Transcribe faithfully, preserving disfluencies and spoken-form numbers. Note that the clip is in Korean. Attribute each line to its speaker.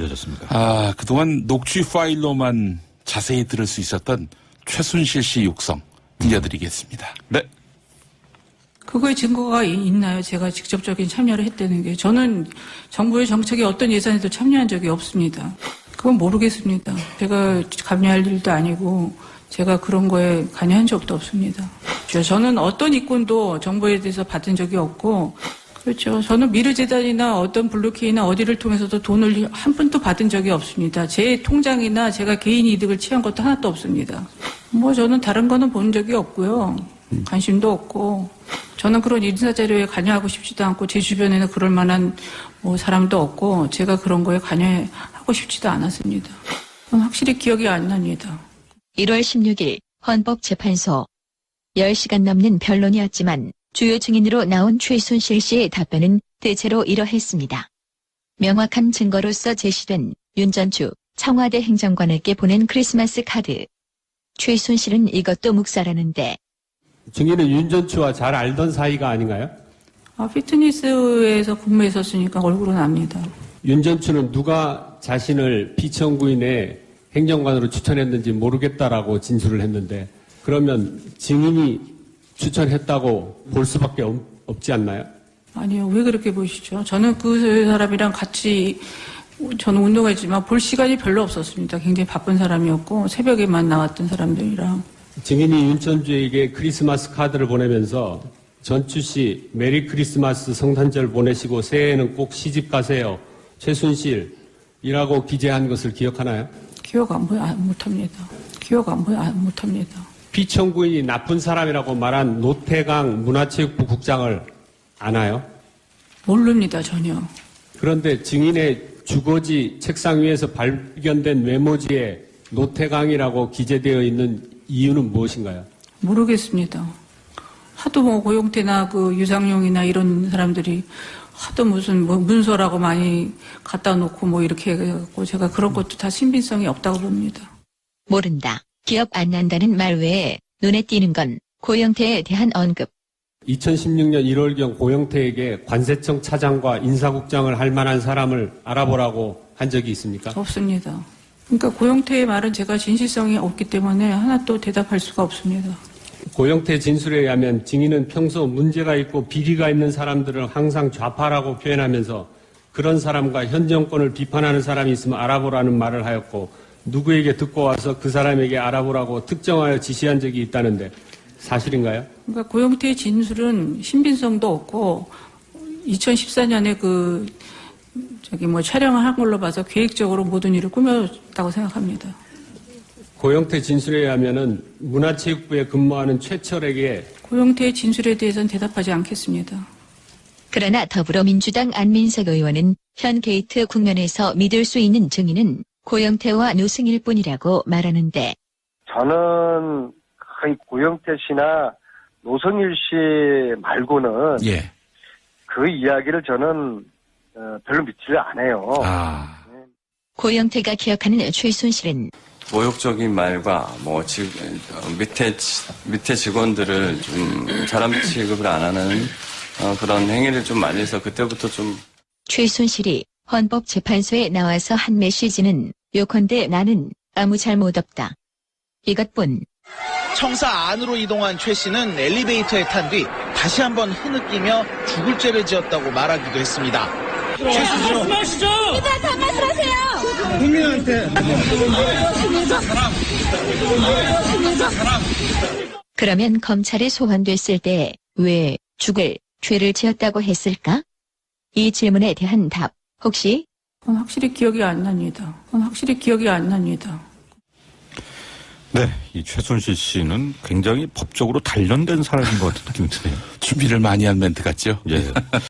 Speaker 1: 어떠셨습니까?
Speaker 2: 아, 그동안 녹취 파일로만 자세히 들을 수 있었던 최순실 씨 육성 들려드리겠습니다.
Speaker 1: 네.
Speaker 3: 그거에 증거가 있나요? 제가 직접적인 참여를 했다는 게. 저는 정부의 정책에 어떤 예산에도 참여한 적이 없습니다. 그건 모르겠습니다. 제가 관여할 일도 아니고 제가 그런 거에 관여한 적도 없습니다. 저는 어떤 이권도 정부에 대해서 받은 적이 없고, 그렇죠. 저는 미르재단이나 어떤 블루케이나 어디를 통해서도 돈을 한 푼도 받은 적이 없습니다. 제 통장이나 제가 개인 이득을 취한 것도 하나도 없습니다. 뭐 저는 다른 거는 본 적이 없고요. 관심도 없고, 저는 그런 인사자료에 관여하고 싶지도 않고, 제 주변에는 그럴 만한 뭐 사람도 없고, 제가 그런 거에 관여하고 싶지도 않았습니다. 그건 확실히 기억이 안 납니다.
Speaker 4: 일월 십육일 헌법재판소. 열 시간 넘는 변론이었지만 주요 증인으로 나온 최순실 씨의 답변은 대체로 이러했습니다. 명확한 증거로서 제시된 윤전추 청와대 행정관에게 보낸 크리스마스 카드. 최순실은 이것도 묵살하는데.
Speaker 5: 증인은 윤전추와 잘 알던 사이가 아닌가요?
Speaker 3: 아, 피트니스에서 근무했었으니까 얼굴은 압니다.
Speaker 5: 윤전추는 누가 자신을 비천구인의 행정관으로 추천했는지 모르겠다라고 진술을 했는데, 그러면 증인이 추천했다고 볼 수밖에 없, 없지 않나요?
Speaker 3: 아니요. 왜 그렇게 보시죠? 저는 그 사람이랑 같이 저는 운동했지만 볼 시간이 별로 없었습니다. 굉장히 바쁜 사람이었고 새벽에만 나왔던 사람들이랑.
Speaker 5: 증인이 윤전추에게 크리스마스 카드를 보내면서 전추 씨 메리 크리스마스 성탄절 보내시고 새해에는 꼭 시집 가세요. 최순실이라고 기재한 것을 기억하나요?
Speaker 3: 기억 안, 안 못합니다. 기억 안, 안 못합니다.
Speaker 5: 피청구인이 나쁜 사람이라고 말한 노태강 문화체육부 국장을 아나요?
Speaker 3: 모릅니다, 전혀.
Speaker 5: 그런데 증인의 주거지 책상 위에서 발견된 메모지에 노태강이라고 기재되어 있는 이유는 무엇인가요?
Speaker 3: 모르겠습니다. 하도 뭐 고용태나 그 유상용이나 이런 사람들이 하도 무슨 뭐 문서라고 많이 갖다 놓고 뭐 이렇게 해갖고 제가 그런 것도 다 신빙성이 없다고 봅니다.
Speaker 4: 모른다. 기억 안 난다는 말 외에 눈에 띄는 건 고영태에 대한 언급.
Speaker 5: 이천십육년 일월경 고영태에게 관세청 차장과 인사국장을 할 만한 사람을 알아보라고 한 적이 있습니까?
Speaker 3: 없습니다. 그러니까 고영태의 말은 제가 진실성이 없기 때문에 하나 또 대답할 수가 없습니다.
Speaker 5: 고영태 진술에 의하면 증인은 평소 문제가 있고 비리가 있는 사람들을 항상 좌파라고 표현하면서 그런 사람과 현 정권을 비판하는 사람이 있으면 알아보라는 말을 하였고, 누구에게 듣고 와서 그 사람에게 알아보라고 특정하여 지시한 적이 있다는데 사실인가요?
Speaker 3: 그러니까 고영태의 진술은 신빙성도 없고 이천십사년에 그 저기 뭐 촬영을 한 걸로 봐서 계획적으로 모든 일을 꾸몄다고 생각합니다.
Speaker 5: 고영태 진술에 의하면은 문화체육부에 근무하는 최철에게
Speaker 3: 고영태의 진술에 대해서는 대답하지 않겠습니다.
Speaker 4: 그러나 더불어민주당 안민석 의원은 현 게이트 국면에서 믿을 수 있는 증인은 고영태와 노승일 뿐이라고 말하는데,
Speaker 6: 저는 거의 고영태 씨나 노승일 씨 말고는
Speaker 2: 예.
Speaker 6: 그 이야기를 저는 어, 별로 믿지를 않아요.
Speaker 2: 아.
Speaker 4: 고영태가 기억하는 최순실은
Speaker 7: 모욕적인 말과 뭐 지, 밑에 밑에 직원들을 좀 사람 취급을 안 하는 어, 그런 행위를 좀 많이 해서 그때부터 좀.
Speaker 4: 최순실이 헌법재판소에 나와서 한 메시지는 요컨대 나는 아무 잘못 없다. 이것뿐.
Speaker 8: 청사 안으로 이동한 최 씨는 엘리베이터에 탄 뒤 다시 한번 흐느끼며 죽을 죄를 지었다고 말하기도 했습니다. 최 씨죠.
Speaker 9: 말씀하시죠. 이제 다 말씀하세요.
Speaker 8: 국민한테.
Speaker 4: 그러면 검찰에 소환됐을 때 왜 죽을 죄를 지었다고 했을까? 이 질문에 대한 답 혹시?
Speaker 3: 그건 확실히 기억이 안 납니다. 그건 확실히 기억이 안 납니다.
Speaker 1: 네, 이 최순실 씨는 굉장히 법적으로 단련된 사람인 것 같은 느낌이 드네요.
Speaker 2: 준비를 많이 한 멘트 같죠?
Speaker 1: 예.